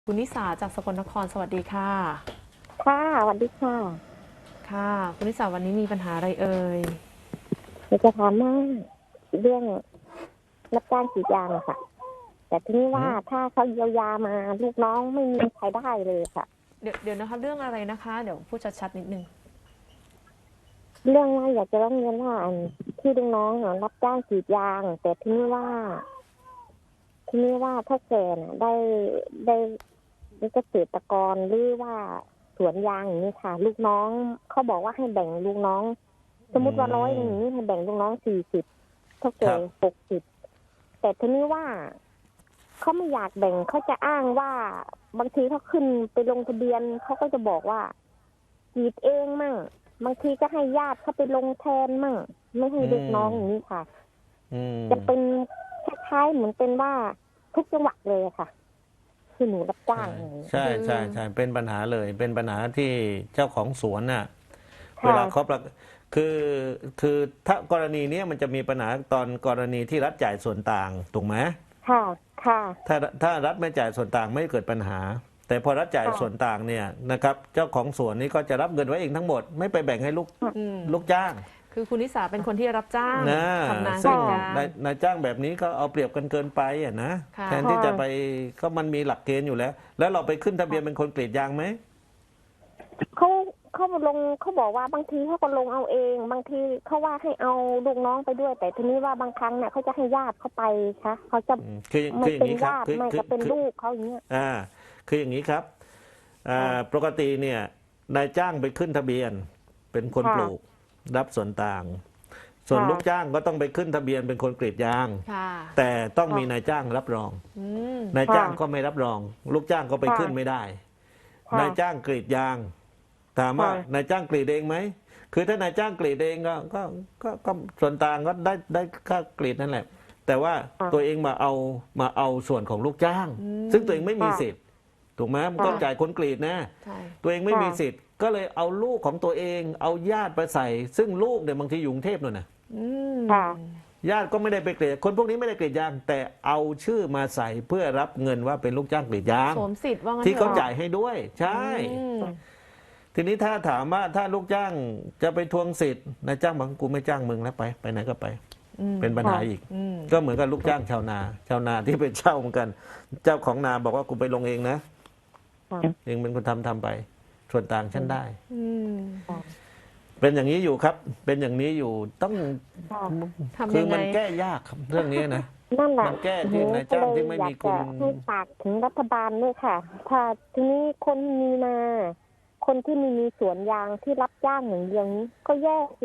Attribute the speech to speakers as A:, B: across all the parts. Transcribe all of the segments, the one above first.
A: คุณนิสาจากสกลนครสวัสดีค่ะ
B: ค่ะสวัสดีค่ะ
A: ค่ะคุณนิสาวันนี้มีปัญหาอะไรเอ่ย
B: อยากจะถามว่าเรื่องรับจ้างกรีดยางอะค่ะ แต่ทีนี้ว่าถ้าเขาเยียวยามาลูกน้องไม่มีใครได้เลยค่ะ
A: เดี๋ยวนะคะเรื่องอะไรนะคะเดี๋ยวพูดชัดๆนิดนึง
B: เรื่องว่าอยากจะร้องเรียนว่าที่ลูกน้องอะรับจ้างกรีดยาง แต่ทีนี้ว่าถ้าแกน่ะได้เกษตรกรหรือว่าสวนยางอย่างนี้ค่ะ ลูกน้องเขาบอกว่าให้แบ่งลูกน้อง สมมติว่า100อย่างนี้ให้แบ่งลูกน้อง40เท่าแก่60แต่ทีนี้ว่าเขาไม่อยากแบ่งเขาจะอ้างว่าบางทีเขาขึ้นไปลงทะเบียนเขาก็จะบอกว่ากรีดเองมั่งบางทีก็ให้ญาติเขาไปลงแทนมั่งไม่ให้ลูกน้องอย่างนี้ค่ะจะเป็นคล้ายๆเหมือนเป็นว่าทุกจังหวัดเลยค่ะคือหนูรับจ้าง
C: ใช่ใช่ใช่เป็นปัญหาเลยเป็นปัญหาที่เจ้าของสวนน่ะเวลา
B: ค่ะ
C: เขาคือคือถ้ากรณีนี้มันจะมีปัญหาตอนกรณีที่รัฐจ่ายส่วนต่างถูกไหม
B: ค่ะค่ะ
C: ถ้ารัฐไม่จ่ายส่วนต่างไม่เกิดปัญหา แต่พอรัฐจ่ายส่วนต่างเนี่ยนะครับเจ้าของสวนนี่ก็จะรับเงินไว้เองทั้งหมดไม่ไปแบ่งให้ลูกจ้าง
A: คือคุณนิสาเป็นคนที่รับจ้าง
C: นะ
A: ทำงานก
C: ซึ่ง
A: รีดยาง
C: นายจ้างแบบนี้ก็เอาเปรียบกันเกินไปอ่ะนะ
A: ค่ะ
C: แทนที่จะไปก็มันมีหลักเกณฑ์อยู่แล้ว แล้วเราไปขึ้นทะเบียนเป็นคนกรีดยางไหม
B: เขาเขาลงเขาบอกว่าบางทีเขาก็ลงเอาเอง บางทีเขาว่าให้เอาลูกน้องไปด้วย แต่ทีนี้ว่าบางครั้งเนี่ยเขาจะให้ญาติเขาไปค่ะเขาจะไม่
C: คืออย่าง
B: เป็น
C: นี้ครับ
B: ญาติไม่ก็เป็นลูกเขาอย่างเงี้ย
C: คืออย่างนี้ครับปกติเนี่ยนายจ้างไปขึ้นทะเบียนเป็นคนปลูกรับส่วนต่าง ส่วนลูกจ้างก็ต้องไปขึ้นทะเบียนเป็นคนกรีดยางแต่ต้องมีนายจ้างรับรองนายจ้างก็ไม่รับรอง ลูกจ้างก็ไปขึ้นไม่ได้นายจ้างกรีดยางถามว่านายจ้างกรีดเองไหมคือถ้านายจ้างกรีดเองก็ส่วนต่างก็ได้ค่ากรีดนั่นแหละแต่ว่าตัวเองมาเอาส่วนของลูกจ้าง ซึ่งตัวเองไม่มีสิทธิ์ถูกไหมมันต้องจ่ายคนกรีดนะตัวเองไม่มีสิทธิ์ก็เลยเอาลูกของตัวเองเอาญาติไปใส่ ซึ่งลูกเนี่ยบางทีอยู่กรุงเทพนู่นน่ะญาติก็ไม่ได้ไปกรีดคนพวกนี้ไม่ได้กรีดยางแต่เอาชื่อมาใส่เพื่อรับเงินว่าเป็นลูกจ้างกรีดยาง
A: สวมสิทธิ์ว่างั้น
C: ที่เขาจ่ายให้ด้วยใช่ทีนี้ถ้าถามว่าถ้าลูกจ้างจะไปทวงสิทธิ์นายจ้างบอกกูไม่จ้างมึงแล้วไปไหนก็ไปเป็นปัญหาอีกก็เหมือนกับลูกจ้างชาวนาที่ไปเช่าเหมือนกัน เจ้าของนาบอกว่ากูไปลงเองนะเองเป็นคนทำไปส่วนต่างฉันได้เป็นอย่างนี้อยู่ครับ เป็นอย่างนี้อยู่ต้องคือมันแก้ยากครับเรื่องนี้นะ
B: นั่นแหละ
C: มันแก้ที่นายจ้างที่ไม่มีคุณ
B: ให้ฝากถึงรัฐบาลด้วยค่ะถ้าทีนี้คนมีนาคนที่มีสวนยางที่รับจ้างอย่างเดียวนี้ก็แย่สิ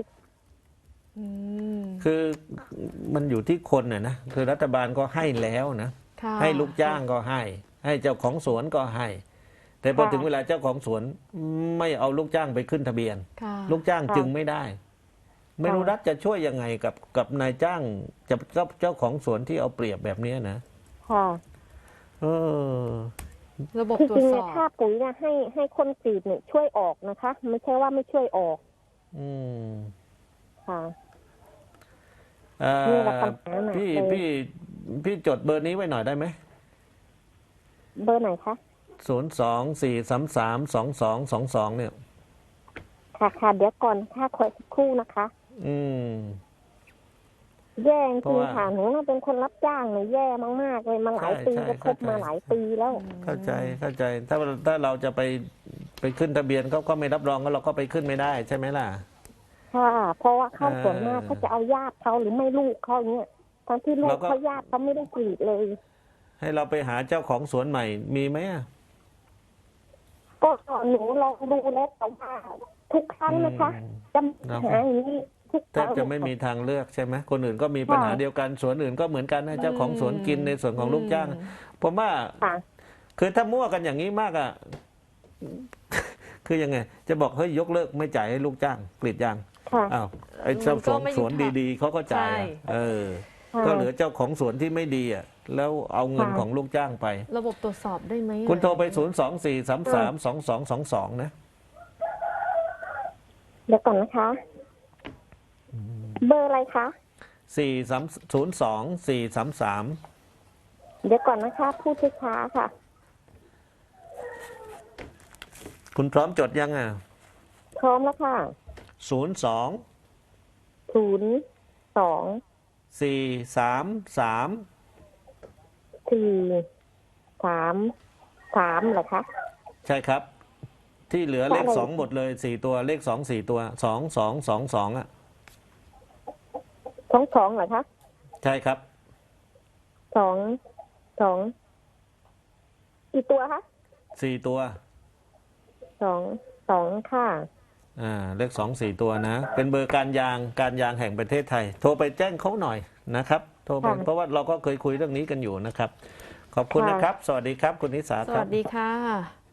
C: คือมันอยู่ที่คนน่ะนะคือรัฐบาลก็ให้แล้วนะให้ลูกจ้างก็ให้เจ้าของสวนก็ให้แต่พอถึงเวลาเจ้าของสวนไม่เอาลูกจ้างไปขึ้นทะเบียนลูกจ้างจึงไม่ได้ไม่รู้รัฐจะช่วยยังไงกับนายจ้างกับเจ้าของสวนที่เอาเปรียบแบบนี้นะ
B: ค่ะ
A: ระบบตรวจสอบ
B: ค่าปุ๋ยเนี่ยให้คนกรีดเนี่ยช่วยออกนะคะไม่ใช่ว่าไม่ช่วยออกค่ะ
C: พี่จดเบอร์นี้ไว้หน่อยได้ไหม
B: เบอร์ไหนคะ
C: 02-433-2222เนี่ย
B: ค่ะเดี๋ยวก่อนค่าคอยสักครู่นะคะแย่จริงค่ะหนูเป็นคนรับจ้างเนี่ยแย่มากๆเลยมาหลายปีก็คบมาหลายปีแล้ว
C: เข้าใจถ้าเราจะไปขึ้นทะเบียนเขาก็ไม่รับรองก็เราก็ไปขึ้นไม่ได้ใช่ไหมล่ะ
B: ค่ะเพราะว่าเขาส่วนมากเขาจะเอาญาติเขาหรือไม่ลูกเขาเนี้ยทั้งที่ลูกเขาญาติเขาไม่ได้กรีดเลย
C: ให้เราไปหาเจ้าของสวนใหม่มีไหม
B: ก็หนูลองดูแล้วแต่ว่าทุกครั้งนะคะจะหาอย่างนี้
C: แทบจะไม่มีทางเลือกใช่ไหมคนอื่นก็มีปัญหาเดียวกันสวนอื่นก็เหมือนกันนะเจ้าของสวนกินในส่วนของลูกจ้างผมว่าคือถ้ามั่วกันอย่างนี้มากอ่ะคือยังไงจะบอกเฮ้ยยกเลิกไม่จ่ายให้ลูกจ้างกรีดยางอ้าวไอ้เจ้าของสวนดีๆเขาก็จ่ายก็เหลือเจ้าของสวนที่ไม่ดีอ่ะแล้วเอาเงินของลูกจ้างไประ
A: บบตรวจสอบได้ไหม
C: คุณโทรไป024332222นะ
B: เดี๋ยวก่อนนะคะเบอร์อะไรคะ
C: 4302433
B: เดี๋ยวก่อนนะคะพูดช้าๆค่ะ
C: คุณพร้อมจดยังอ่ะ
B: พร้อมแล้วค่ะ
C: 02
B: 02
C: 433
B: 433เหรอคะ
C: ใช่ครับ ที่เหลือเลข
B: อะไร
C: 2หมดเลย4ตัวเลข2 4ตัว2222อ่ะ
B: 22เหรอคะ
C: ใช่ครับ
B: 2กี่ตัวคะ
C: 4 ตัว
B: 2ค่ะ
C: เลข2 4 ตัวนะ เป็นเบอร์การยางแห่งประเทศไทย โทรไปแจ้งเขาหน่อยนะครับ โทรไป
B: ค่ะ
C: เพราะว่าเราก็เคยคุยเรื่องนี้กันอยู่นะครับ ขอบคุณ
B: ค่ะ
C: นะครับ สวัสดีครับ คุณนิสา
A: ส
C: ครั
A: วั
C: บ
A: สดีค่ะ